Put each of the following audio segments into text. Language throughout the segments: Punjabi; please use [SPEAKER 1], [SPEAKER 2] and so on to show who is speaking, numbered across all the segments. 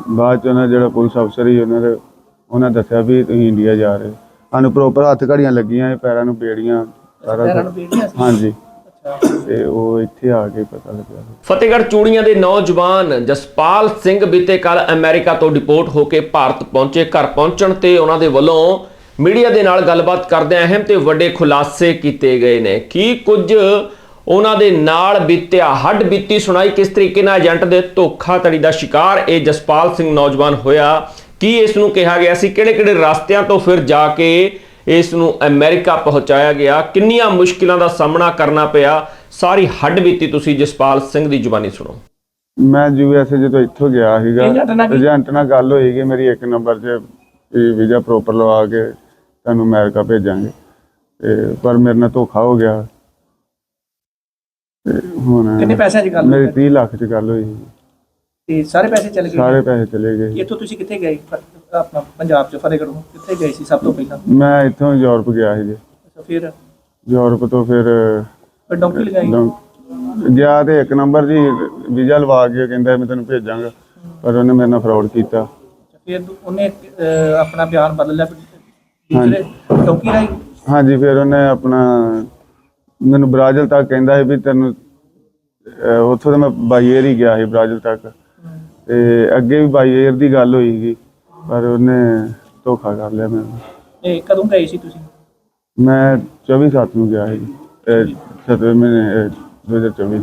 [SPEAKER 1] बाद जो पुलिस अफसर ही उन्होंने दसिया भी तुम इंडिया जा रहे सानू प्रोपर हत्थ घड़ियां लगियां पैरों में बेड़ियां सारा हाँ जी ਤੇ ਉਹ ਇੱਥੇ ਆ ਕੇ ਪਤਾ ਲੱਗਿਆ।
[SPEAKER 2] ਫਤਿਹਗੜ੍ਹ ਚੂੜੀਆਂ ਦੇ ਨੌਜਵਾਨ ਜਸਪਾਲ ਸਿੰਘ ਬੀਤੇ ਕੱਲ ਅਮਰੀਕਾ ਤੋਂ ਡਿਪੋਰਟ ਹੋ ਕੇ ਭਾਰਤ ਪਹੁੰਚੇ। ਘਰ ਪਹੁੰਚਣ ਤੇ ਉਹਨਾਂ ਦੇ ਵੱਲੋਂ ਮੀਡੀਆ ਦੇ ਨਾਲ ਗੱਲਬਾਤ ਕਰਦਿਆਂ ਅਹਿਮ ਤੇ ਵੱਡੇ ਖੁਲਾਸੇ ਕੀਤੇ ਗਏ ਨੇ। ਕੀ ਕੁਝ ਉਹਨਾਂ ਦੇ ਨਾਲ ਬੀਤਿਆ, ਹੱਡ ਬੀਤੀ ਸੁਣਾਈ, ਕਿਸ ਤਰੀਕੇ ਨਾਲ ਏਜੰਟ ਦੇ ਧੋਖਾਧੜੀ ਦਾ ਸ਼ਿਕਾਰ ਇਹ ਜਸਪਾਲ ਸਿੰਘ ਨੌਜਵਾਨ ਹੋਇਆ, ਕੀ ਇਸ ਨੂੰ ਕਿਹਾ ਗਿਆ ਸੀ, ਕਿਹੜੇ-ਕਿਹੜੇ ਰਸਤਿਆਂ ਤੋਂ ਫਿਰ ਜਾ ਕੇ ਇਸ ਨੂੰ ਅਮਰੀਕਾ ਪਹੁੰਚਾਇਆ ਗਿਆ, ਕਿੰਨੀਆਂ ਮੁਸ਼ਕਿਲਾਂ ਦਾ ਸਾਹਮਣਾ ਕਰਨਾ ਪਿਆ, ਸਾਰੀ ਹੱਡ ਬੀਤੀ ਤੁਸੀਂ ਜਸਪਾਲ ਸਿੰਘ ਦੀ ਜ਼ੁਬਾਨੀ ਸੁਣੋ।
[SPEAKER 1] ਮੈਂ USA ਜਦੋਂ ਇੱਥੋਂ ਗਿਆ ਸੀਗਾ ਏਜੰਟ ਨਾਲ ਗੱਲ ਹੋਈ ਕਿ ਮੇਰੀ 1 ਨੰਬਰ 'ਚ ਵੀਜ਼ਾ ਪ੍ਰੋਪਰ ਲਵਾ ਕੇ ਤੁਹਾਨੂੰ ਅਮਰੀਕਾ ਭੇਜਾਂਗੇ ਤੇ ਪਰ ਮੇਰੇ ਨਾਲ ਧੋਖਾ ਹੋ ਗਿਆ। ਤੇ ਹੁਣ
[SPEAKER 3] ਕਿੰਨੇ ਪੈਸਿਆਂ 'ਚ ਗੱਲ
[SPEAKER 1] ਮੇਰੀ 30 ਲੱਖ 'ਚ ਗੱਲ ਹੋਈ
[SPEAKER 3] ਤੇ ਸਾਰੇ ਪੈਸੇ ਚਲੇ ਗਏ?
[SPEAKER 1] ਸਾਰੇ ਪੈਸੇ ਚਲੇ ਗਏ।
[SPEAKER 3] ਇੱਥੋਂ ਤੁਸੀਂ ਕਿੱਥੇ ਗਏ? ਆਪਣਾ ਪੰਜਾਬ 'ਚ ਫਤਿਹਗੜ੍ਹ ਕਿੱਥੇ ਗਏ ਸੀ ਸਭ ਤੋਂ ਪਹਿਲਾਂ?
[SPEAKER 1] ਮੈਂ ਇੱਥੋਂ ਯੂਰਪ ਗਿਆ ਸੀ ਜੀ।
[SPEAKER 3] ਅੱਛਾ, ਫਿਰ
[SPEAKER 1] ਯੂਰਪ ਤੋਂ ਫਿਰ
[SPEAKER 3] ਡੌਂਕੀ ਲਗਾਈ
[SPEAKER 1] ਗਿਆ ਤੇ 1 ਨੰਬਰ ਜੀ ਵੀਜ਼ਾ ਲਵਾ ਕੇ ਕਹਿੰਦਾ ਮੈਂ ਤੈਨੂੰ ਭੇਜਾਂਗਾ ਪਰ ਉਹਨੇ ਮੇਰੇ ਨਾਲ ਫਰਾਡ ਕੀਤਾ।
[SPEAKER 3] ਫਿਰ ਉਹਨੇ ਆਪਣਾ ਬਿਆਨ ਬਦਲ ਲਿਆ ਦੂਸਰੇ ਡੌਂਕੀ ਰਾਹੀਂ?
[SPEAKER 1] ਹਾਂਜੀ, ਫਿਰ ਉਹਨੇ ਆਪਣਾ ਮੈਨੂੰ ਬ੍ਰਾਜ਼ਿਲ ਤੱਕ ਕਹਿੰਦਾ ਸੀ ਵੀ ਤੈਨੂੰ ਉੱਥੋਂ ਤਾਂ ਮੈਂ ਬਾਈ ਏਅਰ ਹੀ ਗਿਆ ਸੀ ਬ੍ਰਾਜ਼ਿਲ ਤੱਕ ਤੇ ਅੱਗੇ ਵੀ ਬਾਈ ਏਅਰ ਦੀ ਗੱਲ ਹੋਈ ਸੀ ਪਰ ਉਹਨੇ ਧੋਖਾ ਕਰ ਲਿਆ ਮੈਨੂੰ।
[SPEAKER 3] ਇਹ ਕਦੋਂ ਗਏ ਸੀ ਤੁਸੀਂ?
[SPEAKER 1] ਮੈਂ 24/7 ਨੂੰ ਗਿਆ ਸੀ 7ਵੇਂ ਮਹੀਨੇ 2024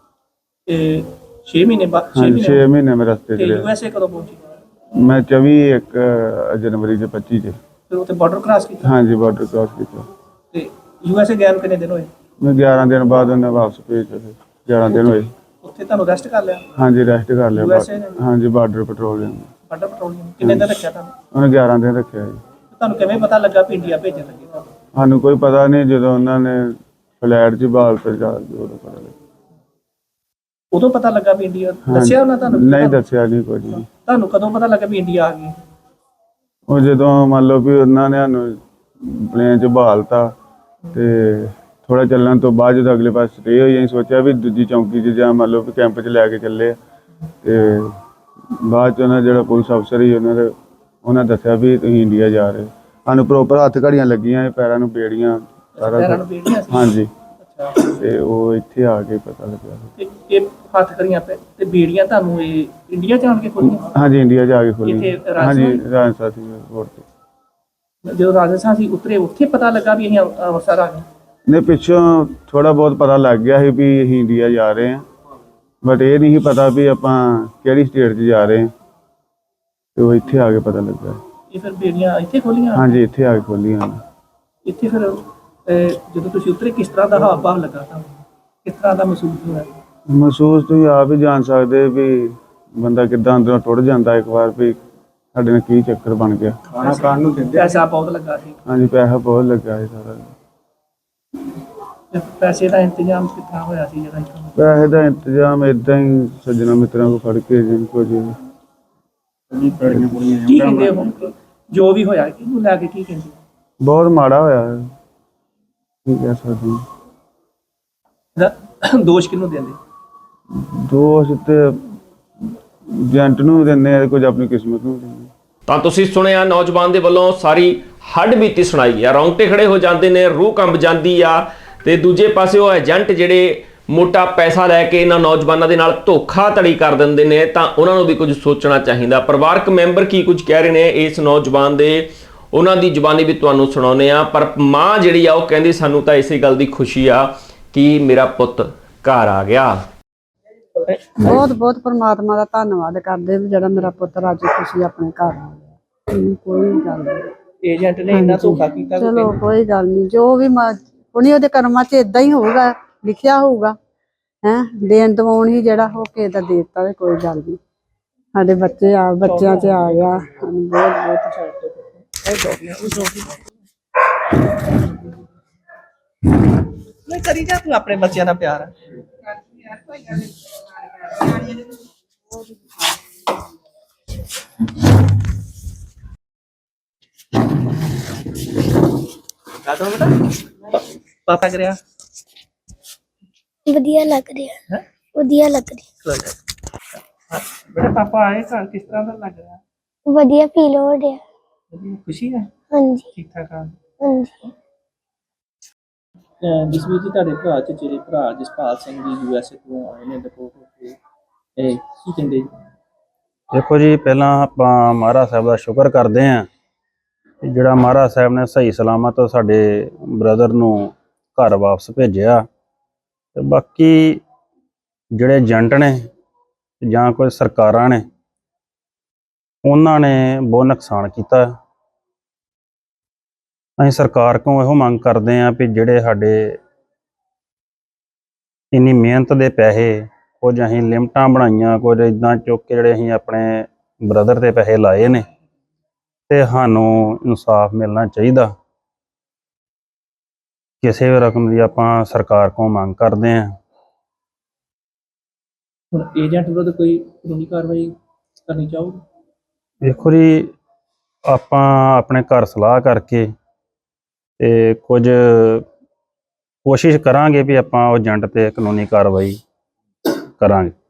[SPEAKER 3] ਇਹ 6 ਮਹੀਨੇ ਬਾਅਦ?
[SPEAKER 1] 6 ਮਹੀਨੇ ਮੈਂ ਰਸਤੇ 'ਚ ਰਿਹਾ।
[SPEAKER 3] USA ਕਦੋਂ ਪਹੁੰਚੇ?
[SPEAKER 1] ਮੈਂ 24 ਜਨਵਰੀ 25 'ਚ।
[SPEAKER 3] ਫਿਰ ਉੱਥੇ ਬਾਰਡਰ ਕ੍ਰਾਸ ਕੀਤਾ?
[SPEAKER 1] ਹਾਂਜੀ, ਬਾਰਡਰ ਕ੍ਰਾਸ ਕੀਤਾ।
[SPEAKER 3] ਤੇ USA ਗਏ ਨੂੰ ਕਿੰਨੇ ਦਿਨ ਹੋਏ?
[SPEAKER 1] ਮੈਂ 11 ਦਿਨ ਬਾਅਦ ਉਹਨੇ ਵਾਪਸ ਭੇਜਿਆ। 11 ਦਿਨ ਹੋਏ।
[SPEAKER 3] ਉੱਥੇ ਤੁਹਾਨੂੰ ਰੈਸਟ ਕਰ ਲਿਆ?
[SPEAKER 1] ਹਾਂਜੀ, ਰੈਸਟ ਕਰ ਲਿਆ।
[SPEAKER 3] USA ਨੇ?
[SPEAKER 1] ਹਾਂਜੀ, ਬਾਰਡਰ ਪੈਟਰੋਲਿੰਗ।
[SPEAKER 3] ਬਾਰਡਰ ਪੈਟਰੋਲਿੰਗ ਕਿੰਨੇ ਦਿਨ ਰੱਖਿਆ ਤੁਹਾਨੂੰ?
[SPEAKER 1] ਉਹਨੇ 11 ਦਿਨ ਰੱਖਿਆ ਜੀ।
[SPEAKER 3] ਤੁਹਾਨੂੰ ਕਿਵੇਂ ਪਤਾ ਲੱਗਾ ਵੀ ਇੰਡੀਆ ਭੇਜਣ ਲੱਗੇ ਤੁਹਾਨੂੰ?
[SPEAKER 1] ਸਾਨੂੰ ਕੋਈ ਪਤਾ ਨਹੀਂ, ਜਦੋਂ ਉਹਨਾਂ ਨੇ ਫਲੈਟ 'ਚ ਬਾਲ ਤੇ ਜਾ ਕੇ ਉਦੋਂ ਪਤਾ ਲੱਗਾ।
[SPEAKER 3] ਉਦੋਂ ਪਤਾ ਲੱਗਾ ਵੀ ਇੰਡੀਆ? ਦੱਸਿਆ ਉਹਨਾਂ ਤੁਹਾਨੂੰ?
[SPEAKER 1] ਨਹੀਂ ਦੱਸਿਆ ਨਹੀਂ ਕੁਝ ਵੀ।
[SPEAKER 3] ਤੁਹਾਨੂੰ ਕਦੋਂ ਪਤਾ ਲੱਗਾ ਵੀ ਇੰਡੀਆ ਆ ਗਈ?
[SPEAKER 1] ਉਹ ਜਦੋਂ ਮੰਨ ਲਓ ਵੀ ਉਹਨਾਂ ਨੇ ਸਾਨੂੰ ਪਲੇਨ 'ਚ ਬਹਾਲਤਾ ਤੇ ਥੋੜਾ ਚੱਲਣ ਤੋਂ ਬਾਅਦ ਜਦੋਂ ਅਗਲੇ ਪਾਸੇ ਸਟੇ ਹੋਈ ਅਸੀਂ ਸੋਚਿਆ ਵੀ ਦੂਜੀ ਚੌਂਕੀ 'ਚ ਜਾਂ ਮੰਨ ਲਓ ਵੀ ਕੈਂਪ 'ਚ ਲੈ ਕੇ ਚੱਲੇ ਤੇ ਬਾਅਦ 'ਚ ਉਹਨਾਂ ਪੁਲਿਸ ਅਫਸਰ ਹੀ ਉਹਨਾਂ ਦੱਸਿਆ ਵੀ ਤੁਸੀਂ ਇੰਡੀਆ ਜਾ ਰਹੇ। ਸਾਨੂੰ ਪ੍ਰੋਪਰ ਹੱਥ ਘੜੀਆਂ ਲੱਗੀਆਂ ਪੈਰਾਂ ਨੂੰ ਬੇੜੀਆਂ ਸਾਰਾ हाँ जी। ਤੇ ਉਹ ਇੱਥੇ ਆ ਕੇ ਪਤਾ ਲੱਗਿਆ।
[SPEAKER 3] ਇਹ ਹੱਥ ਕਰੀਆਂ ਤੇ ਬੀੜੀਆਂ ਤੁਹਾਨੂੰ ਇਹ ਇੰਡੀਆ ਜਾਣ ਕੇ ਖੋਲੀਆਂ?
[SPEAKER 1] ਹਾਂਜੀ, ਇੰਡੀਆ ਜਾ ਕੇ ਖੋਲੀਆਂ। ਹਾਂਜੀ, ਰਾਜਸਥਾਨ ਸੀ 에ਅਰਪੋਰਟ ਤੇ।
[SPEAKER 3] ਜਦੋਂ ਰਾਜਸਥਾਨ ਸੀ ਉਤਰੇ ਉੱਥੇ ਪਤਾ ਲੱਗਾ ਵੀ ਅਸੀਂ ਅੰਮ੍ਰਿਤਸਰ ਆ ਗਏ?
[SPEAKER 1] ਨਹੀਂ, ਪਿੱਛੋਂ ਥੋੜਾ ਬਹੁਤ ਪਤਾ ਲੱਗ ਗਿਆ ਸੀ ਵੀ ਅਸੀਂ ਇੰਡੀਆ ਜਾ ਰਹੇ ਹਾਂ ਬਟ ਇਹ ਨਹੀਂ ਪਤਾ ਵੀ ਆਪਾਂ ਕਿਹੜੀ ਸਟੇਟ 'ਚ ਜਾ ਰਹੇ ਹਾਂ ਤੇ ਉਹ ਇੱਥੇ ਆ ਕੇ ਪਤਾ ਲੱਗਾ।
[SPEAKER 3] ਇਹ ਫਿਰ ਬੀੜੀਆਂ ਇੱਥੇ ਖੋਲੀਆਂ?
[SPEAKER 1] ਹਾਂਜੀ, ਇੱਥੇ ਆ ਕੇ ਖੋਲੀਆਂ।
[SPEAKER 3] ਇੱਥੇ ਫਿਰ ਜਦੋਂ ਤੁਸੀਂ ਉਤਰੇ ਕਿਸ ਤਰ੍ਹਾਂ ਦਾ ਹਾਵ ਭਾਵ ਲੱਗਾ ਤੁਹਾਨੂੰ? ਕਿਸ ਤਰ੍ਹਾਂ ਦਾ ਮਹਿਸੂਸ ਹੋਇਆ?
[SPEAKER 1] ਮਹਿਸੂਸ ਤੁਸੀਂ ਆਪ ਹੀ ਜਾਣ ਸਕਦੇ ਵੀ ਬੰਦਾ ਕਿੱਦਾਂ ਅੰਦਰੋਂ ਟੁੱਟ ਜਾਂਦਾ ਇੱਕ ਵਾਰ ਵੀ ਸਾਡੇ ਨਾਲ ਕੀ ਚੱਕਰ ਬਣ ਗਿਆ।
[SPEAKER 3] ਖਾਣਾ ਖਾਣ ਨੂੰ ਦਿੰਦੇ? ਪੈਸਾ ਬਹੁਤ ਲੱਗਾ ਸੀ?
[SPEAKER 1] ਹਾਂਜੀ, ਪੈਸਾ ਬਹੁਤ ਲੱਗਾ ਸੀ ਸਾਰਾ।
[SPEAKER 3] ਪੈਸੇ ਦਾ ਇੰਤਜ਼ਾਮ ਕਿੱਥਾਂ ਹੋਇਆ ਸੀ ਜਿਹੜਾ ਇੱਥੋਂ?
[SPEAKER 1] ਪੈਸੇ ਦਾ ਇੰਤਜ਼ਾਮ ਏਦਾਂ ਹੀ ਸੱਜਣਾ ਮਿੱਤਰਾਂ ਕੋਲ ਫੜ ਕੇ ਜਿੰਨ ਕੋ ਜੀ
[SPEAKER 3] ਕੀ ਕਹਿੰਦੇ ਹੁਣ ਜੋ ਵੀ ਹੋਇਆ ਇਹਨੂੰ ਲੈ ਕੇ ਕੀ ਕਹਿੰਦੇ?
[SPEAKER 1] ਬਹੁਤ ਮਾੜਾ ਹੋਇਆ ਹੈ, ਕੀ ਕਹਿ ਸਕਦੇ ਹਾਂ।
[SPEAKER 3] ਦੋਸ਼ ਕਿਹਨੂੰ ਦਿੰਦੇ?
[SPEAKER 1] ਦੋਸ਼ ਤੇ ਏਜੰਟ ਨੂੰ ਦਿੰਦੇ ਆ, ਕੁਝ ਆਪਣੀ ਕਿਸਮਤ ਨੂੰ ਦਿੰਦੇ।
[SPEAKER 2] ਤਾਂ ਤੁਸੀਂ ਸੁਣਿਆ ਨੌਜਵਾਨ ਦੇ ਵੱਲੋਂ ਸਾਰੀ ਹੱਡ ਬੀਤੀ ਸੁਣਾਈ ਆ। ਰੌਂਗਟੇ ਖੜੇ ਹੋ ਜਾਂਦੇ ਨੇ, ਰੂਹ ਕੰਬ ਜਾਂਦੀ ਆ। ਤੇ ਦੂਜੇ ਪਾਸੇ ਉਹ ਏਜੰਟ ਜਿਹੜੇ ਮੋਟਾ ਪੈਸਾ ਲੈ ਕੇ ਇਹਨਾਂ ਨੌਜਵਾਨਾਂ ਦੇ ਨਾਲ ਧੋਖਾਧੜੀ ਕਰ ਦਿੰਦੇ ਨੇ ਤਾਂ ਉਹਨਾਂ ਨੂੰ ਵੀ ਕੁਝ ਸੋਚਣਾ ਚਾਹੀਦਾ। ਪਰਿਵਾਰਕ ਮੈਂਬਰ ਕੀ ਕੁਝ ਕਹਿ ਰਹੇ ਨੇ ਇਸ ਨੌਜਵਾਨ ਦੇ, ਉਹਨਾਂ ਦੀ ਜ਼ੁਬਾਨੀ ਵੀ ਤੁਹਾਨੂੰ ਸੁਣਾਉਂਦੇ ਆ। ਪਰ ਮਾਂ ਜਿਹੜੀ ਆ ਉਹ ਕਹਿੰਦੀ ਸਾਨੂੰ ਤਾਂ ਇਸੇ ਗੱਲ ਦੀ ਖੁਸ਼ੀ ਆ ਕਿ ਮੇਰਾ ਪੁੱਤ ਘਰ ਆ ਗਿਆ।
[SPEAKER 4] ਬਹੁਤ ਬਹੁਤ ਪਰਮਾਤਮਾ ਦਾ ਧੰਨਵਾਦ ਕਰਦੇ ਵੀ ਜਿਹੜਾ ਮੇਰਾ ਪੁੱਤ ਰਾਜੀ ਖੁਸ਼ੀ ਆਪਣੇ ਘਰ ਆ ਗਿਆ। ਕੋਈ ਗੱਲ ਨਹੀਂ,
[SPEAKER 3] ਏਜੰਟ ਨੇ ਇੰਨਾ ਧੋਖਾ ਕੀਤਾ?
[SPEAKER 4] ਚਲੋ ਕੋਈ ਗੱਲ ਨਹੀਂ, ਜੋ ਵੀ ਹੁਣੀ ਉਹਦੇ ਕਰਮਾਂ 'ਚ ਇਦਾਂ ਹੀ ਹੋਊਗਾ, ਲਿਖਿਆ ਹੋਊਗਾ। ਦੇਣ ਦਵਾਉਣ ਹੀ ਜਿਹੜਾ ਹੋ ਕੇ ਦਾ ਦੇ ਦਿੱਤਾ, ਕੋਈ ਗੱਲ ਨਹੀਂ। ਸਾਡੇ ਬੱਚਿਆਂ 'ਚ ਆ ਗਿਆ, ਸਾਨੂੰ ਬਹੁਤ ਬਹੁਤ
[SPEAKER 3] ਨਹੀਂ ਕਰੀ ਜਾ ਤੂੰ ਆਪਣੇ ਬੱਚਿਆਂ ਦਾ ਪਿਆਰ। ਪਾਪਾ ਕਰਿਆ
[SPEAKER 5] ਵਧੀਆ ਲੱਗ ਰਿਹਾ। ਵਧੀਆ ਲੱਗ ਰਿਹਾ।
[SPEAKER 3] ਬੇਟਾ ਪਾਪਾ ਆਏ ਘਰ, ਕਿਸ ਤਰ੍ਹਾਂ ਦਾ ਲੱਗ ਰਿਹਾ?
[SPEAKER 5] ਵਧੀਆ ਫੀਲ ਹੋ ਰਿਹਾ।
[SPEAKER 3] ਵਧੀਆ, ਖੁਸ਼ੀ ਹੈ?
[SPEAKER 5] ਹਾਂਜੀ
[SPEAKER 3] ਠੀਕ ਠਾਕ ਆ।
[SPEAKER 5] ਹਾਂਜੀ
[SPEAKER 3] ਜਿਸਵੀਰ ਜੀ, ਤੁਹਾਡੇ ਭਰਾ ਚ ਜਿਹੜੇ ਭਰਾ ਜਸਪਾਲ ਸਿੰਘ ਜੀ USA ਤੋਂ ਆਏ ਨੇ ਡਿਪੋਰਟ ਹੋ ਕੇ, ਇਹ ਕੀ ਕਹਿੰਦੇ ਜੀ?
[SPEAKER 6] ਦੇਖੋ ਜੀ, ਪਹਿਲਾਂ ਆਪਾਂ ਮਹਾਰਾਜ ਸਾਹਿਬ ਦਾ ਸ਼ੁਕਰ ਕਰਦੇ ਹਾਂ ਕਿ ਜਿਹੜਾ ਮਹਾਰਾਜ ਸਾਹਿਬ ਨੇ ਸਹੀ ਸਲਾਮਤ ਸਾਡੇ ਬ੍ਰਦਰ ਨੂੰ ਘਰ ਵਾਪਸ ਭੇਜਿਆ। ਤੇ ਬਾਕੀ ਜਿਹੜੇ ਏਜੰਟ ਨੇ ਜਾਂ ਕੋਈ ਸਰਕਾਰਾਂ ਨੇ, ਉਹਨਾਂ ਨੇ ਬਹੁਤ ਨੁਕਸਾਨ ਕੀਤਾ। ਅਸੀਂ ਸਰਕਾਰ ਕੋਲੋਂ ਇਹੋ ਮੰਗ ਕਰਦੇ ਹਾਂ ਵੀ ਜਿਹੜੇ ਸਾਡੇ ਇੰਨੀ ਮਿਹਨਤ ਦੇ ਪੈਸੇ, ਕੁਝ ਅਸੀਂ ਲਿਮਟਾਂ ਬਣਾਈਆਂ, ਕੁਝ ਇੱਦਾਂ ਚੁੱਕ ਕੇ ਜਿਹੜੇ ਅਸੀਂ ਆਪਣੇ ਬ੍ਰਦਰ ਤੇ ਪੈਸੇ ਲਾਏ ਨੇ, ਤੇ ਸਾਨੂੰ ਇਨਸਾਫ ਮਿਲਣਾ ਚਾਹੀਦਾ। ਕਿਸੇ ਵੀ ਰਕਮ ਦੀ ਆਪਾਂ ਸਰਕਾਰ ਕੋਲੋਂ ਮੰਗ ਕਰਦੇ ਹਾਂ।
[SPEAKER 3] ਹੁਣ ਏਜੰਟ ਵਿਰੁੱਧ ਕੋਈ ਕਾਨੂੰਨੀ ਕਾਰਵਾਈ ਕਰਨੀ ਚਾਹੋਗੇ?
[SPEAKER 6] ਦੇਖੋ ਜੀ, ਆਪਾਂ ਆਪਣੇ ਘਰ ਸਲਾਹ ਕਰਕੇ ਤੇ ਕੁਝ ਕੋਸ਼ਿਸ਼ ਕਰਾਂਗੇ ਵੀ ਆਪਾਂ ਉਹ ਏਜੰਟ ਤੇ ਕਾਨੂੰਨੀ ਕਾਰਵਾਈ ਕਰਾਂਗੇ।